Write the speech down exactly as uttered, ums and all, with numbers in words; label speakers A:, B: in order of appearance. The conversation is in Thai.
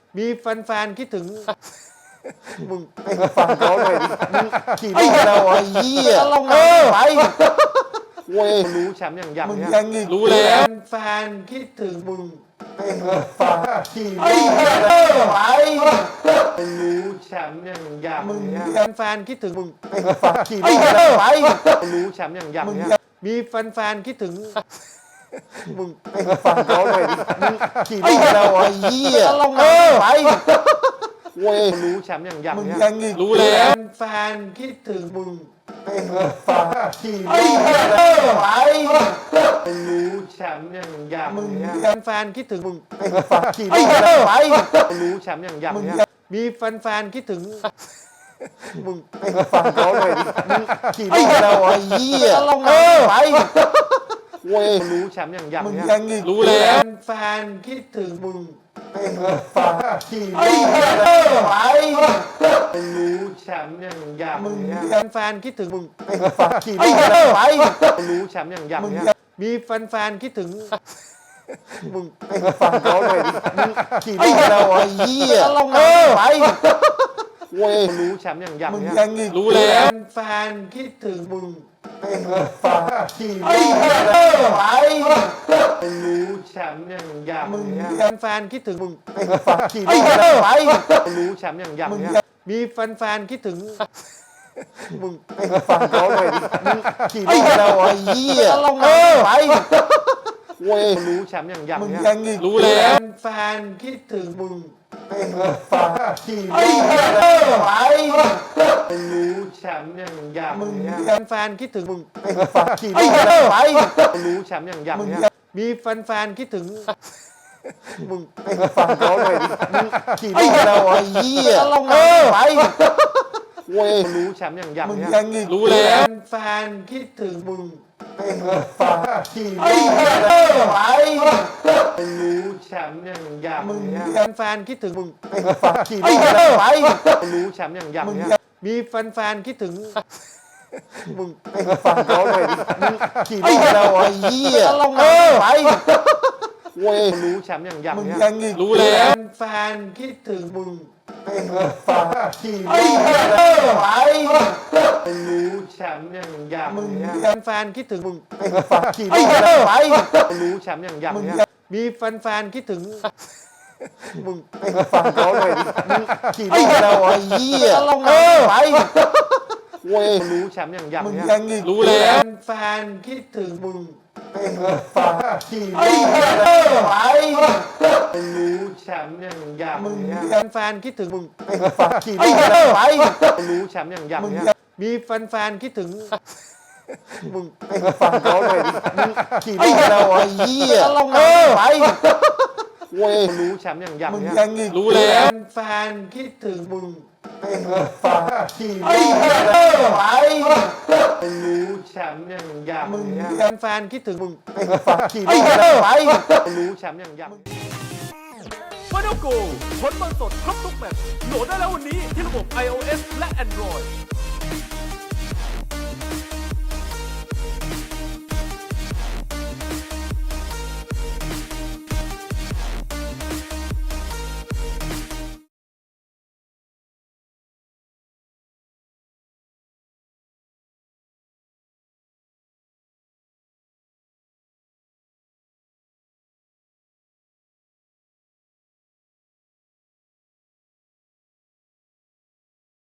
A: มีแฟนๆคิดถึง
B: มึงไปฟังเขาหน่อยดิมึงขี่รถแล้วไอ้เหี้ยเออไปเว้ย
A: รู้แชมป์อย่างอย่าง
B: มึง
A: เนี้ย
B: ยังอีก
C: รู้แล้ว
A: แฟนๆคิดถึงมึง
B: ไปฟังขี่รถเออไป
A: รู้แชมป์อย่างอย่าง
B: มึง
A: เนี้ยแฟนๆคิดถึงมึง
B: ไปฟังขี่รถเออไป
A: รู้แชมป์อย่างอย่างเนี้ยมีแฟนๆคิดถึง
B: มึงไปฟังเขาหน่อยดิมึงขี่รถแล้วไอ้เหี้ยเออไปเว้ย
A: รู้แชมป์อย่างอย่าง
B: มึง
A: เนี้ย
B: ยังอีก
C: รู้แล้ว
A: แฟนๆคิดถึงมึง
B: ไปฟังขี่รถเออไป
A: รู้แชมป์อย่างอย่างเนี้ยแฟนๆคิดถึงมึง
B: ไปฟังขี่รถเออไป
A: รู้แชมป์อย่างอย่างเนี้ยมีแฟนๆคิดถึง
B: มึงไปฟังเขาหน่อยดิมึงขี่รถแล้วไอ้เหี้ยเออไปเว้ย
A: รู้แชมป์อย่างอย่าง
B: มึง
A: เนี้ย
B: ยังอีก
C: รู้แล้ว
A: แฟนๆคิดถึงมึง
B: ไปฟังขี่รถเออไป
A: รู้แชมป์อย่างอย่างเนี้ยแฟนๆคิดถึงมึง
B: ไปฟังขี่รถเออไป
A: รู้แชมป์อย่างอย่างเนี้ยมีแฟนๆคิดถึง
B: มึงไปฟังเขาหน่อยดิมึงขี่รถแล้วไอ้เหี้ยเออไปเว้ย
A: รู้แชมป์อย่างอย่าง
B: มึง
A: เนี้ย
B: ยังอีก
C: รู้แล้ว
A: แฟนๆคิดถึงมึง
B: ไปฟังขี่รถเออไป
A: รู้แชมป์อย่างอย่างเนี้ยแฟนๆคิดถึงมึง
B: ไปฟังขี่รถเออไป
A: รู้แชมป์อย่างอย่างเนี้ยมีแฟนๆคิดถึง
B: มึงไปฟังเขาหน่อยดิมึงขี่รถแล้วไอ้เหี้ยเออไปเว้ย
A: รู้แชมป์อย่างอย่าง
B: มึง
A: เนี้ย
B: ยังอีก
C: รู้แล้ว
A: แฟนๆคิดถึงมึง
B: ไปฟังขี่รถเออไป
A: รู้แชมป์อย่างอย่างเนี้ยแฟนๆคิดถึงมึง
B: ไปฟังขี่รถเออไป
A: รู้แชมป์อย่างอย่างเนี้ยมีแฟนๆคิดถึง
B: มึงไปฟังเขาหน่อยดิมึงขี่รถแล้วไอ้เหี้ยเออไปเว้ย
A: รู้แชมป์อย่างอย่าง
B: มึง
A: เนี้ย
B: ยังอีก
C: รู้แล้ว
A: แฟนๆคิดถึงมึง
B: ไปฟังขี่รถเออไป
A: รู้แชมป์อย่างอย่างเนี้ยแฟนๆคิดถึงมึง
B: ไปฟังขี่รถเออไป
A: รู้แชมป์อย่างอย่างเนี้ยมีแฟนๆคิดถึง
B: มึงไปฟังเขาหน่อยดิมึงขี่รถแล้วไอ้เหี้ยเออไปเว้ย
A: รู้แชมป์อย่างอย่าง
B: มึง
A: เนี้ย
B: ยังอีก
C: รู้แล้ว
A: แฟนๆคิดถึงมึง
B: ไปฟังขี่รถเออไป
A: รู้แชมป์อย่างอย่างเนี้ยแฟนๆคิดถึงมึง
B: ไปฟังขี่รถเออไป
A: รู้แชมป์อย่างอย่างเนี้ยมีแฟนๆคิดถึง
B: มึงไปฟังเขาหน่อยดิมึงขี่รถแล้วไอ้เหี้ยเออไปเว้ย
A: รู้แชมป์อย่างอย่าง
B: มึง
A: เนี้ย
B: ยังอีก
C: รู้แล้ว
A: แฟนๆคิดถึงมึง
B: ไปฟังขี่รถเออไป
A: รู้แชมป์อย่างอย่างเนี้ยแฟนๆคิดถึงมึง
B: ไปฟังขี่รถเออไป
A: รู้แชมป์อย่างอย่างเนี้ยมีแฟนๆคิดถึง
B: มึงไปฟังเขาหน่อยดิมึงขี่รถแล้วไอ้เหี้ยเออไปเว้ย
A: รู้แชมป์อย่างอย่าง
B: มึง
A: เนี้ย
B: ยังอีก
C: รู้แล้ว
A: แฟนๆคิดถึงมึง
B: ไปฟังขี่รถเออไป
A: รู้แชมป์อย่างอย่างเนี้ยแฟนๆคิดถึงมึง
B: ไปฟังขี่รถเออไป
A: รู้แชมป์อย่างอย่าง
D: ฟาโนโกผลบอลสดครบทุกแมตช์โหลดได้แล้ววันนี้ที่ระบบ iOS และ Android